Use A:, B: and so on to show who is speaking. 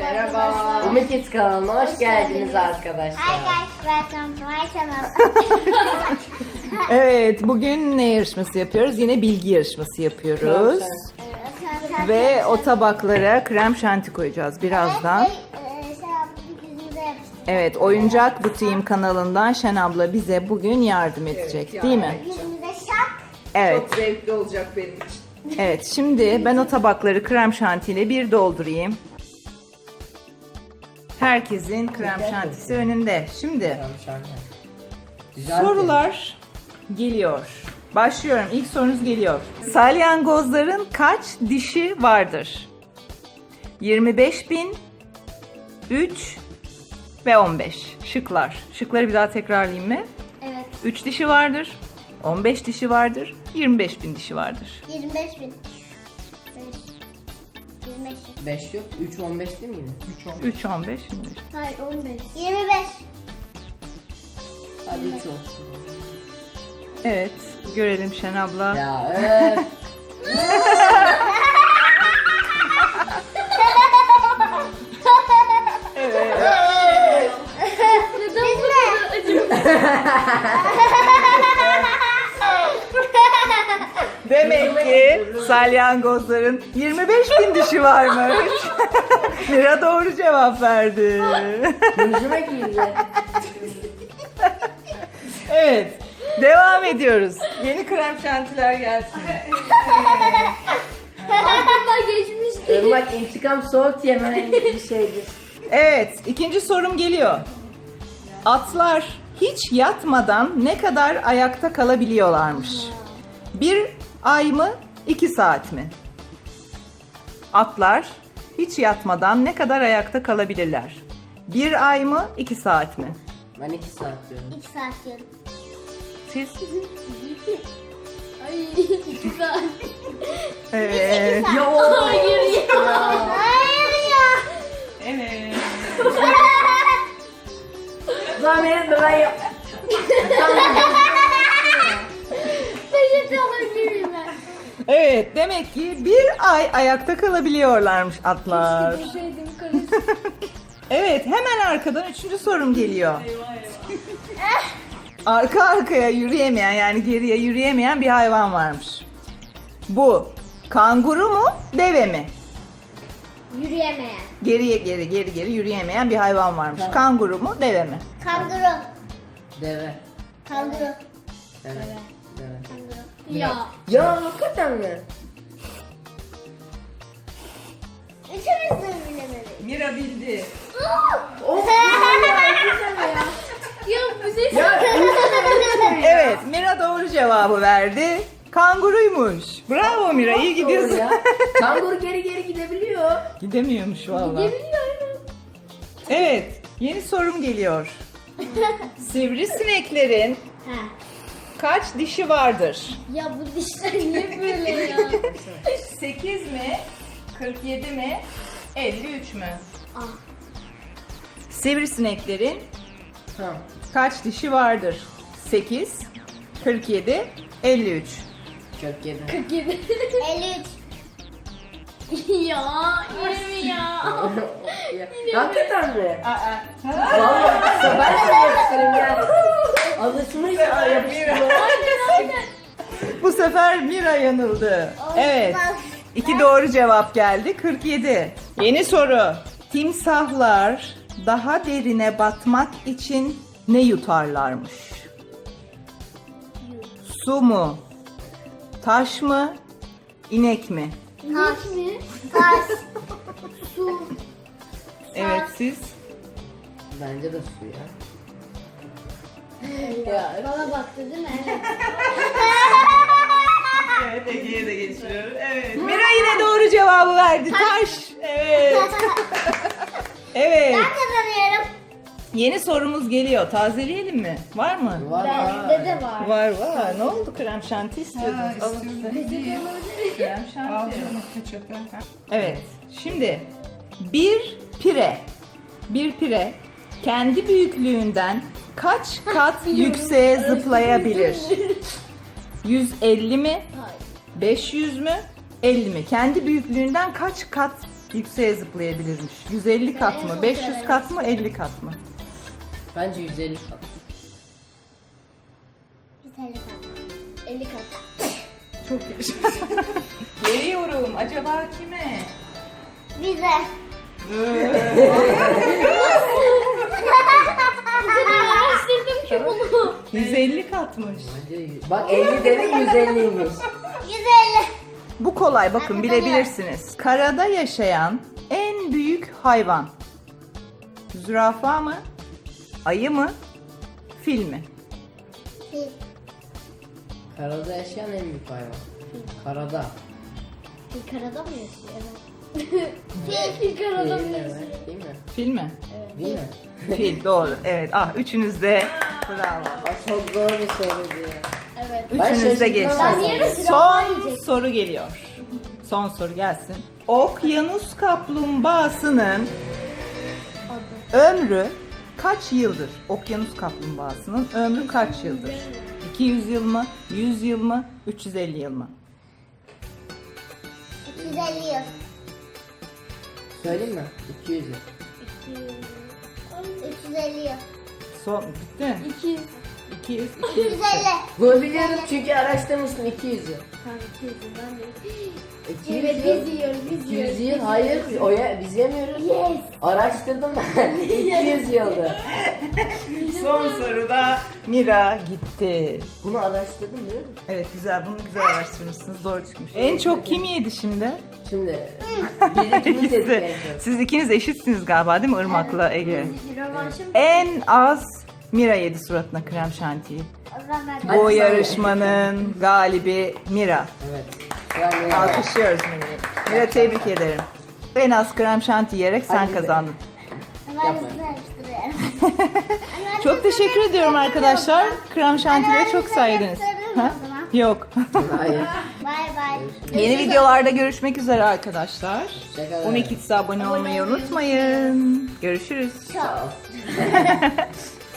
A: Merhaba. Umut Kids kanalına hoş geldiniz arkadaşlar.
B: Hi guys, welcome to my channel.
C: Evet, bugün ne yarışması yapıyoruz? Yine bilgi yarışması yapıyoruz. Ve o tabaklara krem şanti koyacağız birazdan. Evet, Oyuncak Butiğim kanalından Şen abla bize bugün yardım edecek, değil mi? Evet.
D: Çok zevkli olacak benim için.
C: Evet, şimdi ben o tabakları krem şantiyle bir doldurayım. Herkesin krem şantisi önünde. Şimdi sorular geliyor. Başlıyorum. İlk sorunuz geliyor. Salyangozların kaç dişi vardır? 25.000, 3 ve 15. Şıklar. Şıkları bir daha tekrarlayayım mı?
B: Evet.
C: 3 dişi vardır, 15 dişi vardır, 25.000 dişi vardır.
B: 25 bin. 25 bin.
A: 5 yok. 3 15 değil mi yine?
C: 3, 15, 25.
B: Hayır 15. 25.
A: Hadi 3 olsun.
C: Evet, görelim Şen abla.
A: Ya
C: Demek ki salyangozların 25.000 dişi varmış. Mira doğru cevap verdi.
A: Gözüme girdi.
C: Evet, devam ediyoruz. Yeni krem şantiler gelsin.
B: Aklımda geçmişti.
A: Bak intikam soğuk yemen bir şeydir.
C: Evet, ikinci sorum geliyor. Atlar hiç yatmadan ne kadar ayakta kalabiliyorlarmış? 1 ay mı, 2 saat mi? Atlar hiç yatmadan ne kadar ayakta kalabilirler? 1 ay mı, 2 saat mi?
A: Ben 2 saat diyorum.
B: 2 saat diyorum.
C: Siz?
B: Ay 2 saat.
C: Evet.
B: Hayır ya. Hayır ya.
C: Evet.
A: Zahmet ben yap.
B: Peçete alabilir miyim ben?
C: Evet, demek ki 1 ay ayakta kalabiliyorlarmış atlar.
B: Şeydim karıştı.
C: Evet, hemen arkadan 3. sorum geliyor. Arka arkaya yürüyemeyen, yani geriye yürüyemeyen bir hayvan varmış. Bu kanguru mu, deve mi?
B: Yürüyemeyen.
C: Geri yürüyemeyen bir hayvan varmış. Kanguru mu, deve mi?
B: Kanguru.
A: Deve.
B: Kanguru.
A: Deve. Deve.
B: Kanguru. Ya.
A: Ya hakikaten mi?
B: Üçümüz de bilemedik.
C: Mira bildi.
B: Ya bize
C: Evet, Mira doğru cevabı verdi. Kanguruymuş. Bravo Mira, iyi
A: Doğru
C: gidiyorsun.
A: ya. Kanguru geri gidebiliyor.
C: Gidemiyormuş vallahi.
B: Gidebiliyorum.
C: Evet, yeni sorum geliyor. Sivrisineklerin
B: Ha.
C: kaç dişi vardır?
B: Ya bu dişler niye böyle ya?
C: 8 mi? 47 mi? 53 mü?
B: Ah.
C: Sivrisineklerin
A: Tamam.
C: kaç dişi vardır? 8, 47, 53.
A: Çok yedi.
B: 47. 53. Ya yine mi ya?
A: Hakikaten mi?
C: Aa.
A: Vallahi ben de yapıştırayım ya. Alışmış yapıştırıyor.
C: Bu sefer Mira yanıldı. Evet. 2 doğru cevap geldi. 47. Yeni soru. Timsahlar daha derine batmak için ne yutarlarmış? Su mu? Taş mı? İnek mi?
B: Taş mı? Taş. Su.
C: Evet, siz?
A: Bence de su ya.
B: Bana baktı değil mi? Evet.
C: Evet, Ege'ye de geçiyorum. Evet. Mira yine doğru cevabı verdi. Taş. Evet. Evet.
B: Ben kazanıyorum.
C: Yeni sorumuz geliyor. Tazeleyelim mi? Var mı?
A: Var.
B: Bende de var.
C: Var. Ne oldu? Krem şanti istiyordunuz. Alın size. Krem şanti. Evet. Şimdi bir pire kendi büyüklüğünden kaç kat yükseğe zıplayabilir? 150 mi?
B: Hayır.
C: 500 mü? 50 mi? Kendi büyüklüğünden kaç kat yükseğe zıplayabilirmiş. 150 kat mı, 500 kat mı, 50 kat mı?
A: Bence 150 kat.
B: 150 kat. 50 kat.
C: Çok iyi. Geliyorum. Acaba kime?
B: Bize. Araştırdım ki bunu.
C: 150 katmış.
A: Bak 50 demek 150'ymiş.
B: 150.
C: Bu kolay, bakın bilebilirsiniz. Karada yaşayan en büyük hayvan. Zürafa mı? Ayı mı? Fil mi?
B: Fil.
A: Karada yaşayan en büyük hayvan. Karada.
B: Fil karada mı yaşıyor? Evet. Fil karada mı
A: Değil mi?
B: yaşıyor?
A: Değil mi?
C: Fil mi?
A: Değil mi?
C: Fil, doğru. Evet, üçünüz de bravo.
A: Aa, çok zor bir soruydu ya.
B: Evet.
A: Ben
C: Üçünüz de
A: şaşırdım.
C: geçtiniz.
B: Ben yarın sıra
C: Son
B: yiyecek.
C: soru geliyor. Son soru gelsin. Okyanus kaplumbağasının ömrü kaç yıldır? Okyanus kaplumbağasının ömrü kaç yıldır? 200 yıl mı? 100 yıl mı? 350 yıl mı?
B: 250 yıl.
A: Söyleyeyim mi? 200 yıl.
B: 350 yıl.
C: Son bitti.
B: 200.
C: 200.
B: 250.
A: Bunu biliyorum çünkü araştırmıştım 200 yıl.
B: Tamam 200 yıl ben de.
A: 200
B: Evet
A: yıl.
B: biz yiyoruz biz yiyoruz.
A: 200 yıl hayır biz yemiyoruz.
B: Yes.
A: Araştırdım ben. 200 yıldı.
C: Son soruda Mira gitti.
A: Bunu araştırdım biliyor musun?
C: Evet, güzel, bunu güzel araştırmışsınız, doğru çıkmış. En çok kim yedi şimdi?
A: Şimdi biz ikimiz yedik en çok.
C: Siz ikiniz eşitsiniz galiba, değil mi Irmak'la Ege?
B: Rövanşım.
C: En az Mira yedi suratına krem şantiyi.
B: O zaman
A: Hadi
C: Bu
A: sen
C: yarışmanın galibi Mira.
A: Evet. Yani
C: Alkışlıyoruz Mira'yı. Mira, tebrik ederim. En az krem şanti yiyerek sen
A: Hadi
C: kazandın.
B: ben hızlı araştırıyorum.
C: Çok teşekkür ediyorum arkadaşlar. Krem şantileri çok saydınız. Ha? Yok.
A: hayır.
B: Bay bay.
C: Yeni videolarda görüşmek üzere arkadaşlar.
A: Hoşçakalın.
C: 12 abone olmayı unutmayın. Görüşürüz.
A: Sağ ol.